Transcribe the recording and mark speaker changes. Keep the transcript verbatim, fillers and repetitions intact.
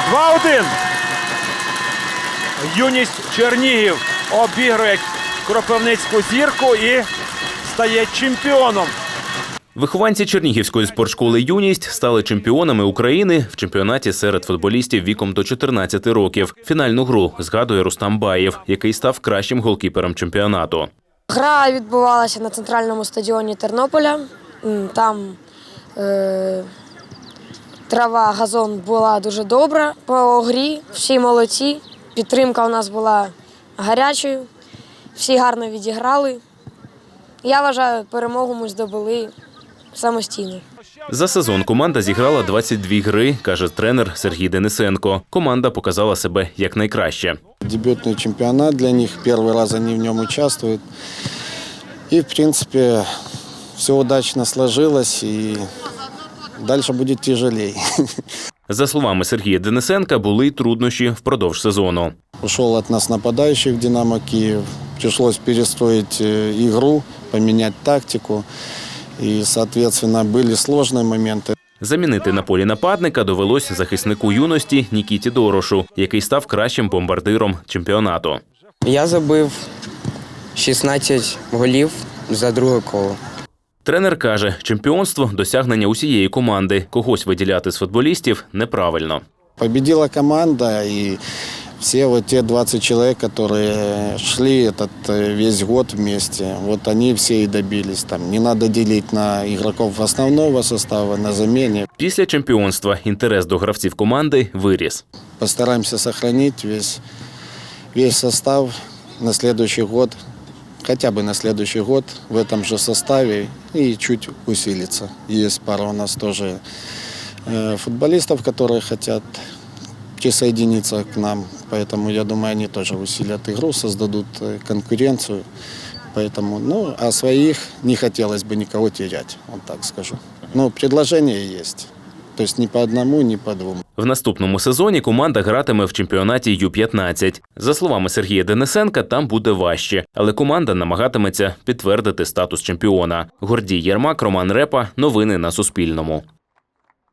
Speaker 1: два один. Юність Чернігів обігрує Кропивницьку Зірку і стає чемпіоном.
Speaker 2: Вихованці Чернігівської спортшколи «Юність» стали чемпіонами України в чемпіонаті серед футболістів віком до чотирнадцяти років. Фінальну гру згадує Рустам Баєв, який став кращим голкіпером чемпіонату.
Speaker 3: Гра відбувалася на центральному стадіоні Тернополя. Там е, трава, газон була дуже добра по грі, всі молодці. Підтримка у нас була гарячою, всі гарно відіграли. Я вважаю, перемогу ми здобули самостійно.
Speaker 2: За сезон команда зіграла двадцять дві гри, каже тренер Сергій Денисенко. Команда показала себе якнайкраще.
Speaker 4: Дебютний чемпіонат для них, перший раз вони в ньому участвують. І, в принципі, все удачно сложилось, і далі буде тяжелее.
Speaker 2: За словами Сергія Денисенка, були й труднощі впродовж сезону.
Speaker 4: Ушел от нас нападающий в «Динамо Киев». Пришлось перестроить игру, поменять тактику. И, соответственно, были сложные моменты.
Speaker 2: Замінити на полі нападника довелось захиснику юності Нікіті Дорошу, який став кращим бомбардиром чемпіонату.
Speaker 5: Я забив шістнадцять голів за друге коло.
Speaker 2: Тренер каже, чемпіонство – досягнення усієї команди. Когось виділяти з футболістів неправильно.
Speaker 4: Победила команда, и все вот те двадцать человек, которые шли этот весь год вместе, вот они все и добились. Там не надо делить на игроков основного состава, на замене.
Speaker 2: Після чемпіонства інтерес до гравців команди виріс.
Speaker 4: Постараемся сохранить весь, весь состав на следующий год, хотя бы на следующий год в этом же составе и чуть усилиться. Есть пара у нас тоже футболистов, которые хотят присоединиться к нам, поэтому я думаю, они тоже усилят игру, создадут конкуренцию, поэтому, ну, а своих не хотелось бы никого терять, вот так скажу. Но предложение есть, то есть ни по одному, ни по двум.
Speaker 2: В наступному сезоні команда гратиме в чемпіонаті Ю п'ятнадцять. За словами Сергія Денисенка, там буде важче, але команда намагатиметься підтвердити статус чемпіона. Гордій Єрмак, Роман Репа. Новини на Суспільному.